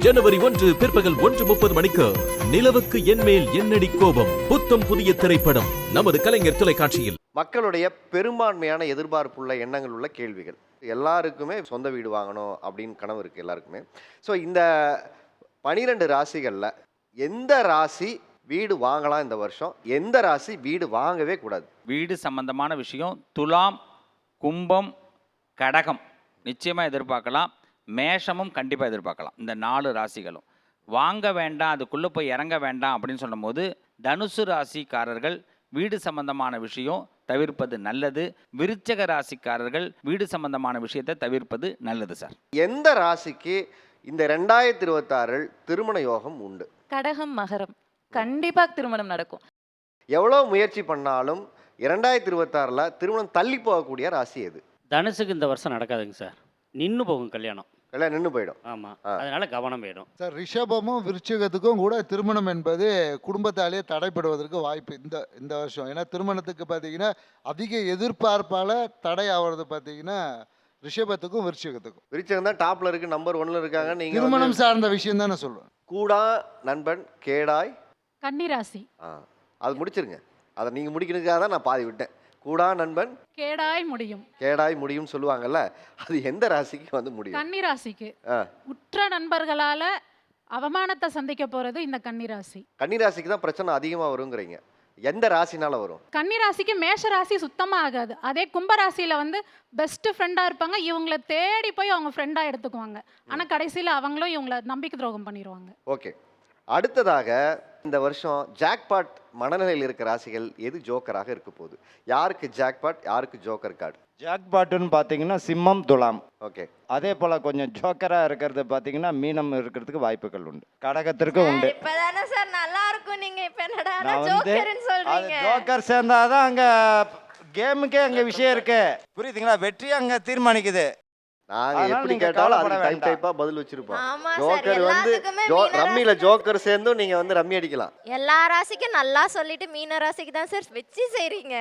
ஜனவரி 1 பிற்பகல் 1:30 மணிக்கு நிலவுக்கு என்மேல் என்னடி கோபம் புத்தம் புதிய திரைப்படம் நமது கலைஞர் தொலைக்காட்சியில். மக்களுடைய பெரும்பான்மையான எதிர்பார்ப்புள்ள எண்ணங்கள் உள்ள கேள்விகள். எல்லாருக்குமே சொந்த வீடு வாங்கணும் அப்படின்னு கனவு இருக்கு எல்லாருக்குமே. ஸோ இந்த 12 ராசிகளில் எந்த ராசி வீடு வாங்கலாம் இந்த வருஷம், எந்த ராசி வீடு வாங்கவே கூடாது? வீடு சம்பந்தமான விஷயம் துலாம், கும்பம், கடகம் நிச்சயமாக எதிர்பார்க்கலாம். மேஷமும் கண்டிப்பாக எதிர்பார்க்கலாம். இந்த 4 ராசிகளும் வாங்க வேண்டாம், அதுக்குள்ளே போய் இறங்க வேண்டாம் அப்படின்னு சொல்லும்போது தனுசு ராசிக்காரர்கள் வீடு சம்பந்தமான விஷயம் தவிர்ப்பது நல்லது. விருச்சக ராசிக்காரர்கள் வீடு சம்பந்தமான விஷயத்தை தவிர்ப்பது நல்லது சார். எந்த ராசிக்கு இந்த 2026 திருமண யோகம் உண்டு? கடகம், மகரம் கண்டிப்பா திருமணம் நடக்கும். எவ்வளோ முயற்சி பண்ணாலும் 2026 திருமணம் தள்ளி போகக்கூடிய ராசி எது? தனுசுக்கு இந்த வருஷம் நடக்காதுங்க சார், நின்று போகும் கல்யாணம். எல்லாம் நின்று போயிடும். ஆமாம், அதனால கவனம் வேணும் சார். ரிஷபமும் விருச்சிகத்துக்கும் கூட திருமணம் என்பது குடும்பத்தாலேயே தடைப்படுவதற்கு வாய்ப்பு இந்த வருஷம். ஏன்னா திருமணத்துக்கு பார்த்தீங்கன்னா அதிக எதிர்பார்ப்பால் தடை ஆகிறது பார்த்தீங்கன்னா ரிஷபத்துக்கும் விருச்சிகத்துக்கும். விருச்சிகம் தான் டாப்ல இருக்கு, நம்பர் 1ல இருக்காங்க. நீங்க திருமணம் சார்ந்த விஷயம் தான் நான் சொல்லுவேன். கூடா நண்பன் கேடாய் கன்னிராசி அது முடிச்சிருங்க. அதை நீங்க முடிக்கிறதுக்காக தான் நான் பாதி விட்டேன். கூடா நண்பன் கேடாய் முடியும், கேடாய் முடியும் சொல்லுவாங்கல்ல, அது எந்த ராசிக்கு வந்து முடியும்? கன்னிராசிக்கு. உற்ற நண்பர்களால அவமானத்தை சந்திக்க போறது இந்த கன்னிராசி. கன்னிராசிக்கு தான் பிரச்சனை அதிகமா வருங்கிறீங்க. எந்த ராசினால வரும்? கன்னிராசிக்கு மேஷ ராசி சுத்தமா ஆகாது. அதே கும்பராசியில பெஸ்ட் ஃப்ரெண்டா இருப்பாங்க. இவங்களை தேடி போய் அவங்க ஃப்ரெண்டா எடுத்துக்குவாங்க. ஆனா கடைசியில அவங்களும் இவங்களை நம்பிக்கை துரோகம் பண்ணிடுவாங்க. ஓகே, அடுத்ததாக இந்த வருஷம் ஜாக்பாட் மனநிலையில் இருக்க ராசிகள் எது ஜோக்கராக இருக்க போகுது? யாருக்கு ஜாக்பாட், யாருக்கு ஜோக்கர் கார்டு? ஜாக்பாட்டுன்னு பார்த்தீங்கன்னா சிம்மம், துலாம். ஓகே, அதே போல் கொஞ்சம் ஜோக்கராக இருக்கிறது பார்த்தீங்கன்னா மீனம் இருக்கிறதுக்கு வாய்ப்புகள் உண்டு, கடகத்திற்கு உண்டு. இப்பதானே சார் நல்லா இருக்கும், நீங்க இப்ப என்னடா நான் வந்து ஜோக்கர்னு அது சொல்றீங்க? ஜோக்கர் சேர்ந்தாதான் அங்கே கேமுக்கே அங்கே விஷயம் இருக்கு, புரியுதுங்களா? வெற்றி அங்கே தீர்மானிக்குது. நாங்க அதனால எப்படி நீங்க கேட்டாலும் கவலைப்பட அதுக்கு டைப் வேண்டாம். டைப்பா பதில் வச்சிருப்போம். ஆமா சார், ஜோக்கர் எல்லாத்துக்குமே மீன ரம்மியில ராசி ஜோக்கர் சேர்ந்தும் நீங்க ரம்மி அடிக்கலாம். எல்லா ராசிக்கும் நல்லா சொல்லிட்டு மீன ராசிக்கு தான் சார் வச்சு செய்றீங்க.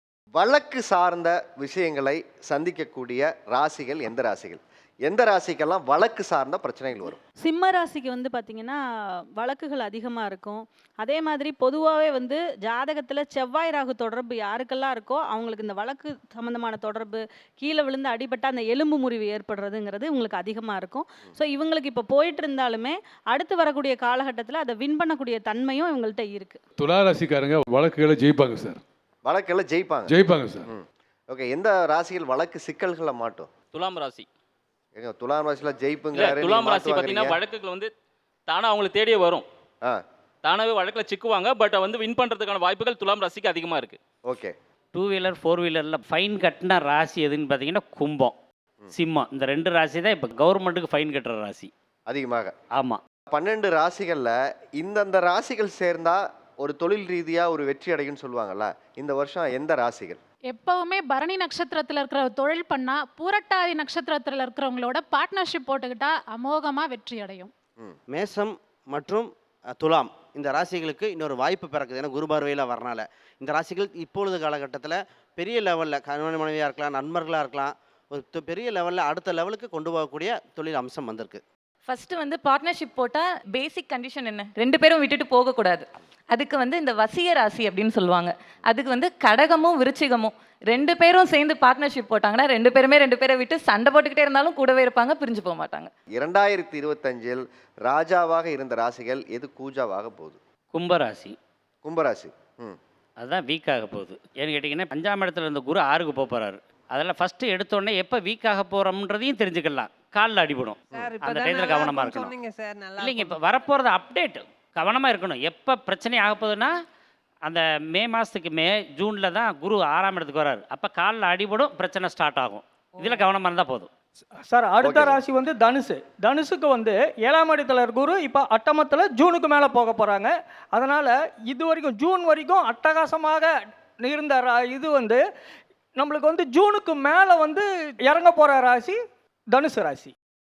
வழக்கு சார்ந்த விஷயங்களை சந்திக்கக்கூடிய ராசிகள் எந்த ராசிகள்? எந்த ராசிக்கெல்லாம் வழக்கு சார்ந்த பிரச்சனைகள் வரும்? சிம்ம ராசிக்கு பார்த்தீங்கன்னா வழக்குகள் அதிகமாக இருக்கும். அதே மாதிரி பொதுவாகவே ஜாதகத்தில் செவ்வாய் ராகு தொடர்பு யாருக்கெல்லாம் இருக்கோ அவங்களுக்கு இந்த வழக்கு சம்மந்தமான தொடர்பு, கீழே விழுந்து அடிபட்ட அந்த எலும்பு முறிவு ஏற்படுறதுங்கிறது உங்களுக்கு அதிகமாக இருக்கும். ஸோ இவங்களுக்கு இப்போ போயிட்டு இருந்தாலுமே அடுத்து வரக்கூடிய காலகட்டத்தில் அதை வின் பண்ணக்கூடிய தன்மையும் இவங்கள்ட்ட இருக்குது. துலா ராசிக்காரங்க வழக்குகளை ஜெயிப்பாங்க சார். வழக்கெல்லாம் ஜெயிப்பாங்க சார். ஓகே, எந்த ராசிகள் வழக்கு சிக்கல்களை மாட்டும்? துலாம் ராசி. ஏங்க, துலாம் ராசியில ஜெயிப்புங்கிறாரு. துலாம் ராசி பார்த்தீங்கன்னா வழக்குகள் தானா அவங்களை தேடியே வரும். தானாவே வழக்கில் சிக்குவாங்க. பட் வின் பண்ணுறதுக்கான வாய்ப்புகள் துலாம் ராசிக்கு அதிகமாக இருக்குது. ஓகே, 2 வீலர் 4 வீலரில் ஃபைன் கட்டின ராசி எதுன்னு பார்த்தீங்கன்னா கும்பம், சிம்மம். இந்த 2 ராசி தான் இப்போ கவர்மெண்ட்டுக்கு ஃபைன் கட்டுற ராசி அதிகமாக. ஆமாம். 12 ராசிகளில் இந்தந்த ராசிகள் சேர்ந்தா ஒரு தொழில் ரீதியா ஒரு வெற்றி அடையும்னு சொல்லுவாங்கல்ல, இந்த வருஷம் எந்த ராசிகள்? எப்பவுமே பரணி நட்சத்திரத்துல இருக்கிற தொழில் பண்ணா பூரட்டாதி நட்சத்திரத்துல இருக்கிறவங்களோட பார்ட்னர்ஷிப் போட்டுக்கிட்டா அமோகமா வெற்றி அடையும். மேஷம் மற்றும் துலாம் இந்த ராசிகளுக்கு இன்னொரு வாய்ப்பு பிறக்குது. ஏன்னா குரு பார்வையில் வரனால இந்த ராசிகள் இப்பொழுது காலகட்டத்தில் பெரிய லெவலில் கணவன் மனைவியாக இருக்கலாம், நண்பர்களாக இருக்கலாம், ஒரு பெரிய லெவலில் அடுத்த லெவலுக்கு கொண்டு போகக்கூடிய தொழில் அம்சம் வந்திருக்கு. ஃபர்ஸ்ட் பார்ட்னர்ஷிப் போட்டா பேசிக் கண்டிஷன் என்ன? 2 பேரும் விட்டுட்டு போகக்கூடாது. அதுக்கு இந்த வசிய ராசி அப்படின்னு சொல்லுவாங்க. அதுக்கு கடகமும் விருச்சிகமும் 2 பேரும் சேர்ந்து பார்ட்னர்ஷிப் போட்டாங்கன்னா 2 பேரை விட்டு சண்டை போட்டுக்கிட்டே இருந்தாலும் கூடவே இருப்பாங்க, பிரிஞ்சு போக மாட்டாங்க. 2025 ராஜாவாக இருந்த ராசிகள் எது கூஜாவாக போகுது? கும்பராசி. கும்பராசி. அதுதான் வீக்காக போகுது. ஏன்னு கேட்டிங்கன்னா 5ஆம் இடத்துல இருந்த குரு 6க்கு போகிறாரு. அதெல்லாம் ஃபஸ்ட்டு எடுத்தோடனே எப்போ வீக்காக போகிறோம்ன்றதையும் தெரிஞ்சுக்கலாம். காலில் அடிபடும், அந்த டயத்தில் கவனமாக இருக்கணும். இல்லைங்க, இப்போ வரப்போகிறது அப்டேட் கவனமாக இருக்கணும். எப்போ பிரச்சனை ஆக போகுதுன்னா அந்த மே மாதத்துக்கு ஜூனில் தான் குரு 6ஆம் இடத்துக்கு வராரு. அப்போ காலில் அடிபடும், பிரச்சனை ஸ்டார்ட் ஆகும். இதில் கவனமாக இருந்தால் போதும் சார். அடுத்த ராசி தனுசு. தனுசுக்கு 7ஆம் இடத்துல குரு இப்போ அட்டமத்தில் ஜூனுக்கு மேலே போக போகிறாங்க. அதனால் இது வரைக்கும் ஜூன் வரைக்கும் அட்டகாசமாக இருந்த இது நம்மளுக்கு ஜூனுக்கு மேலே இறங்க போகிற ராசி தனுசு ராசி.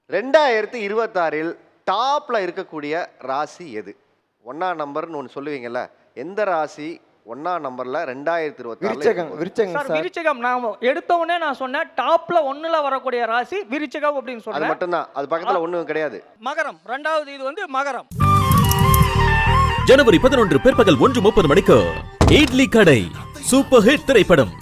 2026 டாப்ல இருக்கக்கூடிய ராசி எது? 1ஆம் நம்பர்னு ஒன்று சொல்லுவீங்கல்ல, எந்த ராசி 1ஆம் நம்பர்ல 2024 சார் விருச்சிகம் நான் எடுத்த உடனே நான் சொன்னேன் டாப்ல 1ல வரக்கூடிய ராசி விருச்சிகம் அப்படின்னு அது சொன்னேன். மட்டும்தான், அது பக்கத்துல ஒண்ணும் கிடையாது. மகரம் ரெண்டாவது இது வந்து மகரம். ஜனவரி 11 பிற்பகல் 1:30 மணிக்கு இட்லி கடை சூப்பர் ஹிட் திரைப்படம்